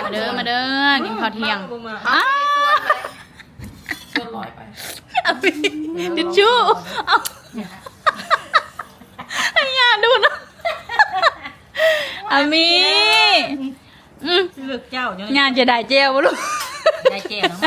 มาเด้อมาเด้อกินข้าวเที่ยงอ้าส่วนลอยไปทิชชู่เอาไอ้ยาดูนะอามีเลือกเจ้าเนี่ยงานจะได้เจลบ่ลูกได้เจ้าเนาะ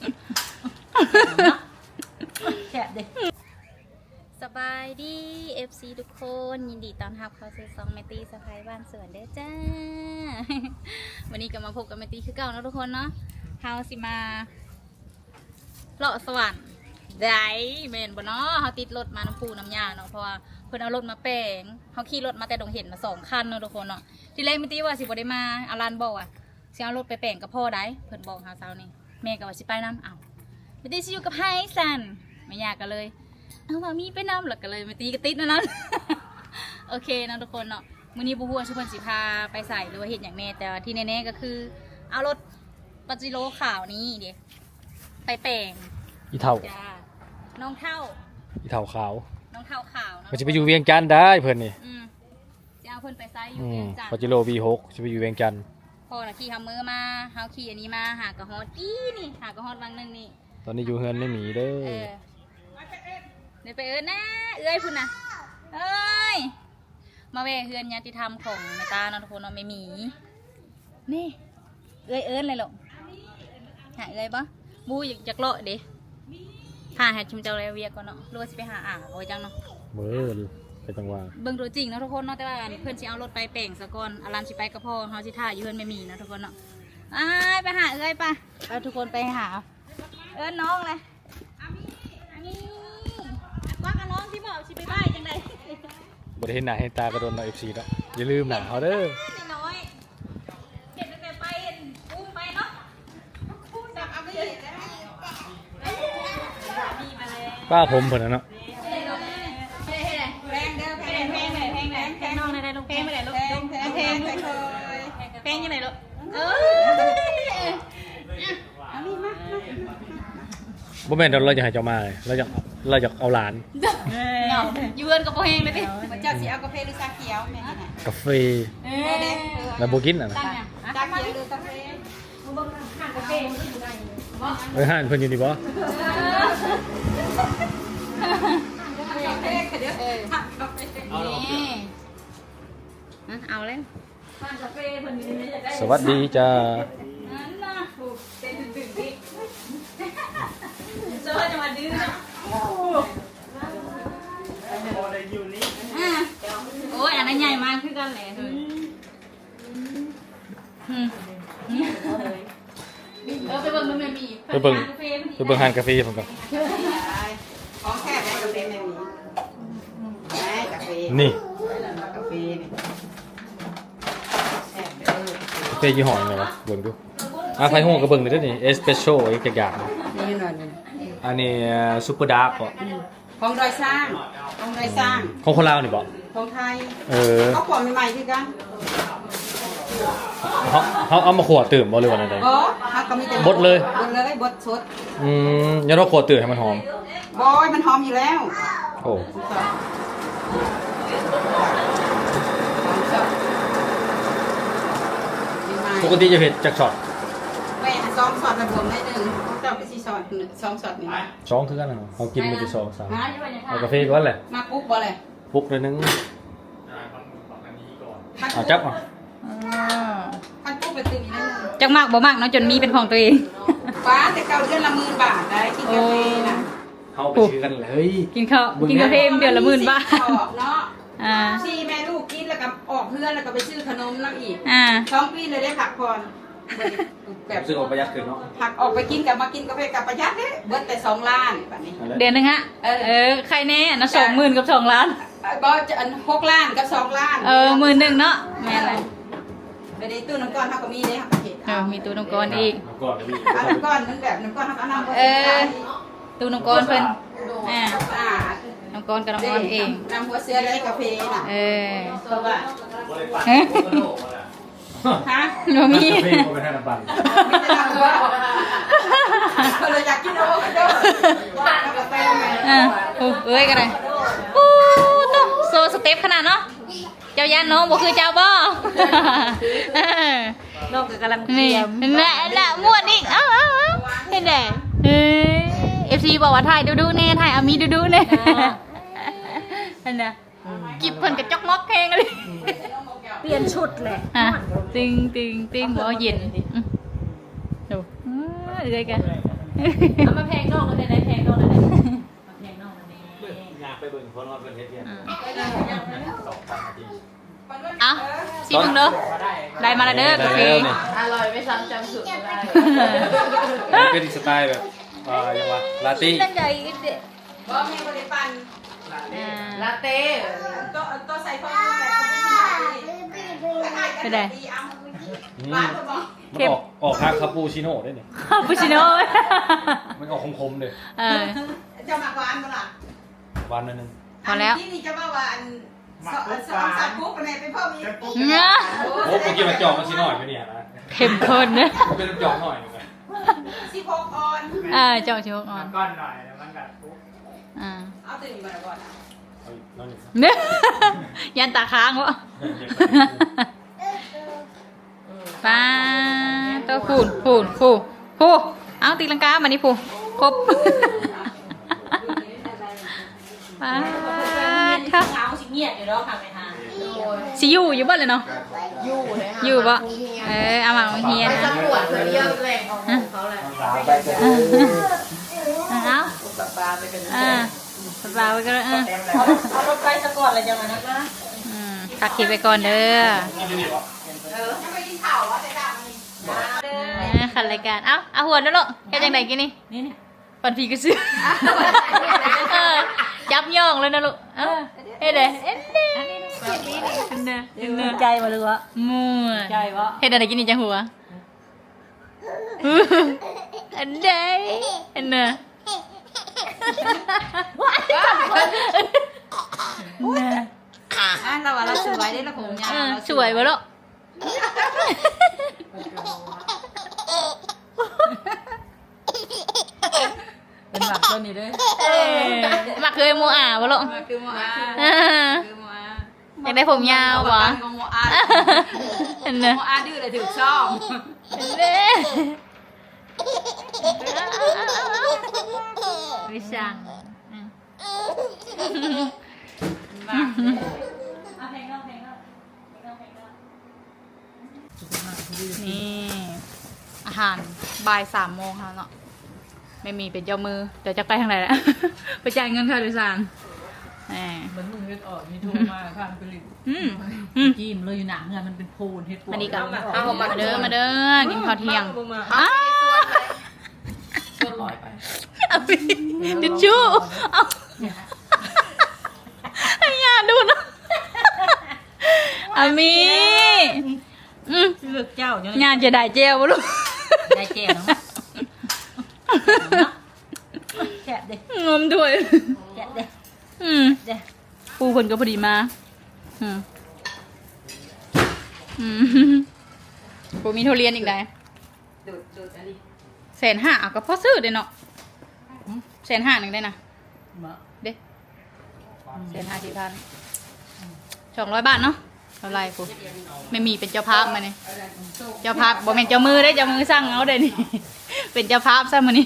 แฉะดิสบายดี FC ทุกคนยินดีต้อนรับเข้าสู่ซองแมตตี้สะพายบ้านสวนเด้อจ้าวันนี้ก็มาพบกับแมตตี้คือเก่านะทุกคนเนาะเฮาสิมาเลาะสวรรค์ได้แม่นบ่เนาะเฮาติดรถมาน้ำปูน้ำยาเนาะเพราะว่าเพิ่นเอารถมาแปลงเฮาขี่รถมาแต่ดงเห็นมา2คันเนาะทุกคนเนาะทีแรกแมตตี้ว่าสิบ่ได้มาอารันบอกว่าสิเอารถไปแปลงกับพ่อได้เพิ่นบอกเฮาเช้านี้แม่ก็ว่าสิไปนํอ้าวแมตตี้สิอยู่กับไฮซันไม่ยากกันเลยเอาว่ามีไปนำหลักกันเลยมาตีกระติดนะ โอเคนะทุกคนเนาะมื้อนี้บุหัวชุพันสิพาไปใส่หรือว่าเห็นอย่างแน่แต่ที่แน่ๆก็คือเอารถปาจิโร่ขาวนี้เดี๋ยวไปแปลงอีเท่าจ้าน้องเท่าอีเท่าขาวน้องเท่าขาวเนาะมันจะไปอยู่เวียงจันทน์ได้เพิ่นนี่จะเอาเพิ่นไปใส่อยู่เวียงจันทปาน์จิโร่ V6 จะไปอยู่เวียงจันทน์พอน่ะขี่ฮัมเมอร์มาเฮาขี่อันนี้มาหากระฮอดนี่หากระฮอดวังนึงนี่ตอนนี้อยู่เฮือนไม่มีเด้อเดี๋ยวไปนะเอ้ยพุ่นนะเอ้ยมาแวะเฮือนญาติธรรมของแม่ตาเนาะทุกคนเนาะไม่มีนี่เอ้ยเลยหรอกหาเอ้ยปะบูอยากเลาะดิหาให้ชุมเจ้าเรเวียก่อนเนาะรู้ว่าสิไปหาอ่างโอ้ยจังเนาะเบิ่งไปจังหวะเบิ่งตัวจริงเนาะทุกคนเนาะแต่ว่าเพื่อนสิเอารถไปแปลงซะก่อนอารันสิไปกับพ่อเฮาสิท่าอยู่เฮือนไม่มีนะทุกคนเนาะไปหาเอ้ยปะไปทุกคนไปหาเอิ้นน้องเลยว่ากับน้องที่บอกชิไปบ้ายจังไดบ่ได้เห็นหน้าเห็นตากระโดนเรา FC แล้วอย่าลืมหน้าเฮาเด้อน้อยเห็นแต่ไปอุ้มไปเนาะอุ้มจากอาบีมาเลยป้าผมเพิ่นน่ะเนาะแพงเด้อแพงแพงน้องได้ลูกแพงไปไหนลูกแพงยังไงลูกบ่แม่นเราจะให้เจ้ามาเลยเราจะเอาหลานเงายืนกับโปแหงเลยดิเจ้าสีเอากาแฟหรือชาเขียวแม่นี่นะกาแฟแล้วบ่กินน่ะนะตั้งเนี่ยชาเขียวหรือกาแฟห้านเพิ่นอยู่นี่บ่เอาเลยสวัสดีจ้านั่นน่ะเต้นตื่นดิเจอจะมาดื้อนะโอ้ยอันนั้นใหญ่มากขึ้นกันเลยไปเบิ่งมันมีไปเบิ่งห้านกาแฟผมก่อนของแค่ไหนกาแฟแม่นี่แม่กาแฟนี่กาแฟนี่แซ่บเด้อกาแฟยี่ห้อยังไงวะเบิ่งดูไผฮู้ก็เบิ่งเด้อนี่เอสเปรสโซ่อีกจักอย่างนี่หน่อยนึงอันนี้ซุปเปอร์ดาร์กบ่ของดอยสร้างของดอยสร้างของคนลาวนี่บ่ของไทยเขาขวดใหม่ๆคือกันเอามาขวดตื่มบ่หรือว่าอะไรบ่ฮักก็มีแต่บดสดอย่าเราขวดตื่มให้มันหอมบอยมันหอมอยู่แล้วโอ้ปกติจะเผ็ดจากช็อตแม่2ช็อตระบวมได้นึงเจ้าไป4ช็อต2ช็อตนี่สองคือกันนะเขากินไปที่2 3เอากาแฟก่อนเลยมาปุ๊บบ่เลยปุ๊กเลยนึงเอาจับอ่ะคันปุ๊บไปตื่นอีกแล้วนึงจังมากบ่มากเนาะจนมีเป็นของตัวเองฟ้าแต่เก่าเดือนละ10,000 บาทได้กินกาแฟนะเขาไปซื้อกันเลยกินข้าวกินกาแฟเดือนละ10,000 บาทเนาะ 4 สี่แม่ลูกกินแล้วก็ออกเพื่อนแล้วก็ไปซื้อขนมน้ำอีก 2 ปีเลยได้ผักผ่อนแบบซื้อออกประหยัดขึ้นเนาะผักออกไปกินกับมากินกาแฟกับประหยัดเด้เบิดแต่2 ล้านแบบนี้เดือนนึงฮะใครแน่นะ20,000กับ2 ล้านบ่จะอัน6 ล้านกับ2 ล้าน 11,000เนาะแม่อะไรไปในตู้น้ำก้อนเฮาก็มีเด้เฮาก็เฮ็ดมีตู้น้ำก้อนอีกก่อนเลยพี่น้ำก้อนมันแบบน้ำก้อนเฮาก็เอาน้ำบ่ตู้น้ำก้อนเพิ่นอ่าน้ำก้อนกับน้ำก้อนเองน้ำหัวเสือได้กาแฟน่ะเพราะว่าฮะบ่มีกาแฟก็เป็นให้น้ำปั่นมีแต่น้ำหัวก็เลยอยากกินโอ้กันเด้อกาแฟแม่เอ้ยกันเลยต้องโซสเต็ปขนาดเนาะเจ้ายันน้องบ่คือเจ้าบ่นอกจากกำลังเตรีนี่ยมน่ะม่วนอีกเอ้าเห็นไหมFC บอกว่าถ่ายดูแน่ถ่ายอามีดูแน่อันน่ะกิบเพิ่นกระจอกมอกแพงเลยเปลี่ยนชุดแหละอ่ะติงบ่เย็นดูเลยกันเอามาแพงนอกเลยได้แพงนอกเลยมาแพงนอกเลยอยากไปเบิ่งคนว่าเป็นเฮ็ดเพียง2,000 นาทีเอ้าสิมึงเด้อได้มาแล้วเด้อกาแฟอร่อยไม่ซ้ำจำสูตรไม่ได้เป็นสไตล์แบบยังว่าลาตี้นั่นใหญ่เด็ดบ่แม่บ่ได้ปั่นลาเต้ตัวใส่ฟองอะไรเขาไม่ใช่ไปไหนบ้านบ่มันออกทางคาปูชิโน่ได้นี่คาปูชิโน่มันออกคมๆเลยจะมากกว่าอันบ่ล่ะหวานหนึงพอแล้วที่นี่จะว่าอันสองสามกุ๊กกันไหนเป็นพ่อมีเนี่ยโอ้เมื่อกี้มันจอกมันชิโน่อยู่เนี่ยนะเข้มข้นนะมันเป็นจอกหน่อยนึงนะ 16ออนเจ้าชิวอ่อนก้อนหน่อยแล้วมันกัดปุ๊บเอาตื่นมาก่อนเอาอีกน้อยหนึงเนี่ยยันตาค้างวะป้าตัวผูเอาตีลังกามานี่ผูครบป้าถ้าเงาสิเงียบอยู่แล้วค่ะแม่ฮะสิอยู่บ้านเลยเนาะอยู่บ่เอามาเฮียนะปวดเลยเยอะแรงของเขาแหละเอาปลาไปกันสบายไปก็เเอาอารถไปสะก่อนเลยจังนะก็ตักขีไปก่อนเด้อจะไปกินข้าววะแต่ดามันขันรายการเอาหัวนั่นลูกแค่จังไหนกินนี่นี่ปันพีก็ซื้อจับย่องเลยนะลูกเฮ้ยเด้ใจมาเลยวะมั่วใจวะเฮ็ดอะไรกินนี่จังหัวอันใดอันน่ะเราว่าเราสวยได้ละผมยาวสวยบ่ลูกเป็นหมักตัวนี้ด้วยมักเคยโมอาบ่ลูกคือโมอาอยากได้ผมยาวบ่โมอาอันน่ะโมอาดื้อเลยถือช่องวิช่างนี่อาหารบ่าย3 โมงแล้วเนาะไม่มีเป็นเจ้ามือเดี๋ยวจะไปทางไหนแล้ว ไปจ่ายเงินค่าโดยสารแหมเหมือนมึงเฮ็ดออกมีโทรมาข้างผลิต จิ้มเลยอยู่หนังมันเป็นโพนเฮ็ดอันนี้ก็มาเด้อกินข้าวเที่ยงส่วนร้อยไปเอาไปทิชชู่เอาไอ้ยาดูนะอามีเลือกเจ้าเนาะงานจะได้เจลบ่ลูกได้แจ่วเนาะแฉะเด้งมด้วยแฉะเด้ เด้ปูคนก็พอดีมาปูมีทุเรียนอีกได้ดูดอันนี้ 150,000เอาก็พอซื้อได้เนาะ150,000นึงได้นะมาเด้150,000 200 บาทเนาะเท่าไรปูไม่มีเป็นเจ้าภาพมาเนี่ยเจ้าภาพบ่แม่นเจ้ามือได้เจ้ามือสั่งเอาได้นี่ เป็นเจ้าภาพซะมื้อนี้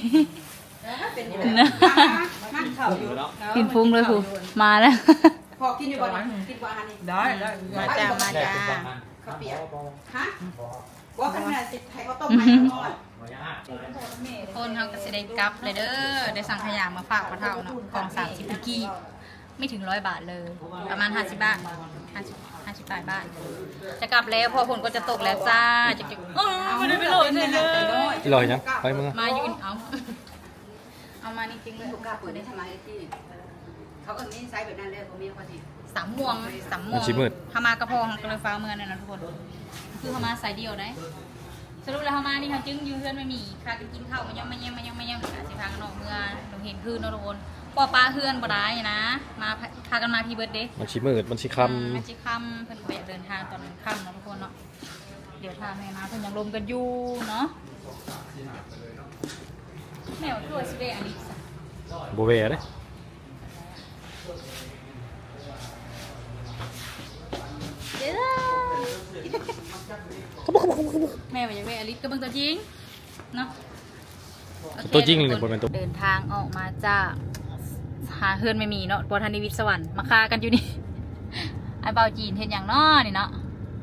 มันเข่าอยู่กินฟุ้งเลยปูมาแล้วพอกินอยู่บ่กินบ่อันนี้ได้มาจ้ามาจ้าข้าวเปียกฮะว่าขนาดสิไข่ข้าวต้มไข่ทอดคนเขาก็จะได้กลับเลยเด้อได้สั่งขยะมาฝากพ่อเฒ่าเนาะกล่อง30พิกี้ไม่ถึง100 บาทเลย ประมาณ50 บาท50 บาท จะกลับแล้วพอฝนก็จะตกแล้วจ้าจะไม่ได้ไปโหลดเลยที่ลอยยังไปมึงมายืนเอามานี่จริงเลยลูกกาเปิดได้ทำไมที่เขาเออนี่ไซส์แบบนั้นเลยเขามีเขาสิ 3 ม่วงทำมากระพองก็เลยฟ้าเมืองเนี่ยนะทุกคนคือทำมาสายเดียวได้สรุปแล้วทำมานี่เขาจึงยืนเพื่อนไม่มีพากันกินข้าวมาย่อมสิพากันออกเมืองเราเห็นคืนเนาะทุกคนปอปลาเพื่อนบ่ได้นะมาพากันมาพี่เบิร์ดเดย์มันชิมืดมันชิคมันจะค่ำเพิ่นไปเดินทางตอนค่ำเนาะทุกคนเนาะเดี๋ยวทางแม่มาเพิ่นยังลมกันอยู่เนาะแมวตัวสิได้อันนี้ซะำโบเว่เด้เด้อแม่ว่าอยากได้อลิสก็เบิ่งตัวจริงเนาะโอเคตัวจริงเลยบนเป็นตัวเดินทางออกมาจากหาเฮือนไม่มีเนาะบนทันนิวิตสวรรค์มาคากันอยู่นี่ ไอ้เบาจีนเห็นอย่างน้อนี่เนาะ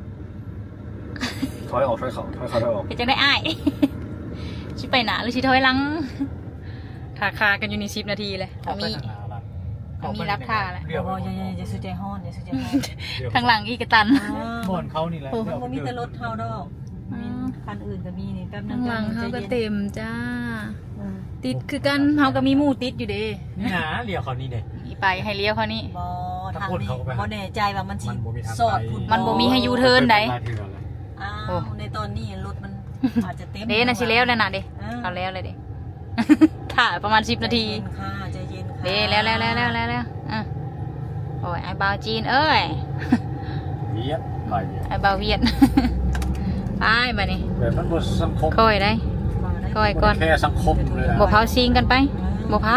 ถอยออกถอยเขาถอยเขาถอยออกเห็นจังได้อ้าย ชิไปหนาหรือชิถอยหลังทาคากันอยู่นี่10 นาทีเลยมีรับท่าแหละเดี๋ยวอย่าซื้อใจฮ้อนอย่าซื้อใจฮ้อนข้างหลังอีกกระตันบ่อนเขานี่แหละมันมีแต่รถเท่าดอกมีคันอื่นก็มีนี่แป๊บนึข้าง งหลังเขาก็เต็มจ้าอืมติดคือกันเขาก็มีหมู่ติดอยู่เด้นี่นะเรียวเขานี่เด็กอีไปให้เลี้ยวเขานี่บ่ทางถ้าพูดนี้เขาก็ไปบ่แน่ใจว่ามันสิมันบ่มีทางสอดไปคุณมันบ่มีให้ยูเทิร์นใดอ้าโอ้วในตอนนี้รถมันอาจจะเต็มเด้นะชิเลี้ยวแล้วนะเด้อ่าเขาแล้วเลยเด้ ถ่ายประมาณ10 นาทีใจเย็นค่ะเด้แล้วอ่ะโอ้ยไอ้เบาจีนเอ้ยเวียดหลายเวียดไอ้เบาเวียด ไปมานี่แบบมันบ่สังคมค่อยได้มาได้ค่อยก่อนแค่สังคมเลยนะบ่เผาซิงกันไปบ่เผา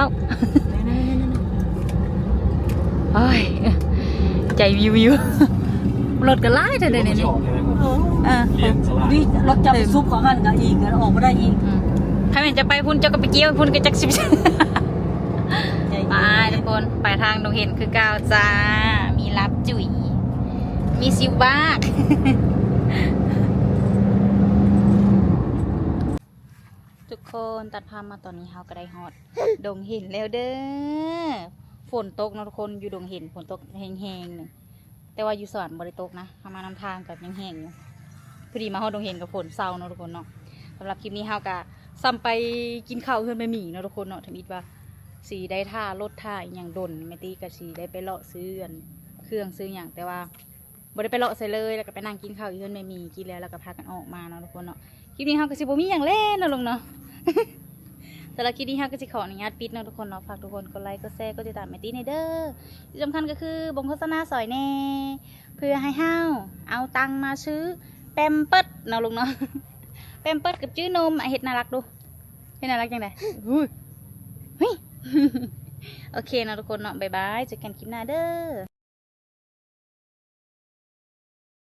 โอ้ยใจวิว รถก็ไล่เธอเลยเนี่ยที่ออกเลยเออเรียนสลายนี่รถจับซุปของหันกับอีกแล้วออกมาได้อีกถ้ามันจะไปพุ่นเจ้าก็ไปเกี่ยวพุ่นก็จักสิบใจไปทุกคนไปทางดงเห็นคือก้าวจ้า มีรับจุ๋ยมีซิวบ้าก ทุกคนตัดภาพมาตอนนี้เฮาก็ได้ฮอด ดงเห็นแล้วเด้อฝนตกเนาะทุกคนอยู่ดงเห็นฝนตกแห้งๆนึงแต่ว่าอยู่สวรรค์บ่ได้ตกนะทามานำทางกับยังแห้งอยู่พอดีมาฮอดดงเห็นกับฝนเศร้าเนาะทุกคนเนาะสำหรับคลิปนี้เฮาก็ซ้ำไปกินข้าวเพื่อนไปหมี่เนาะทุกคนเนาะทำอิดว่าสีได้ท่ารถท่าอหย่างดนไม่ตีกับสีได้ไปเลาะซื้ออันเครื่องซื้ออย่างแต่ว่าบ่ได้ไปเลาะใส่เลยแล้วก็ไปนั่งกินข้าวอยู่เพื่อนไม่มีกินแล้วก็พากันออกมาเนาะทุกคนเนาะคลิปนี้เฮาก็สิบ่มีอย่างเล่นเนาะลงเนาะ แต่ละคลิปนี้ฮะก็จะขออนุญาตปิดเนาะทุกคนเนาะฝากทุกคนกดไลค์กดแชร์กดติดตามแมตตี้ในเด้อที่สำคัญก็คือบงโฆษณาสอยแน่เพื่อให้ห้าวเอาตังมาซื้อแปมเปิดเนาะลุงเนาะ แปมเปิดกับจื้อนมเห็ดน่ารักดูเห็ดน่ารักจังไดอุ้ยเฮ้ย โอเคเนาะทุกคนเนาะบ๊ายบายเจอกันคลิปหน้าเด้อ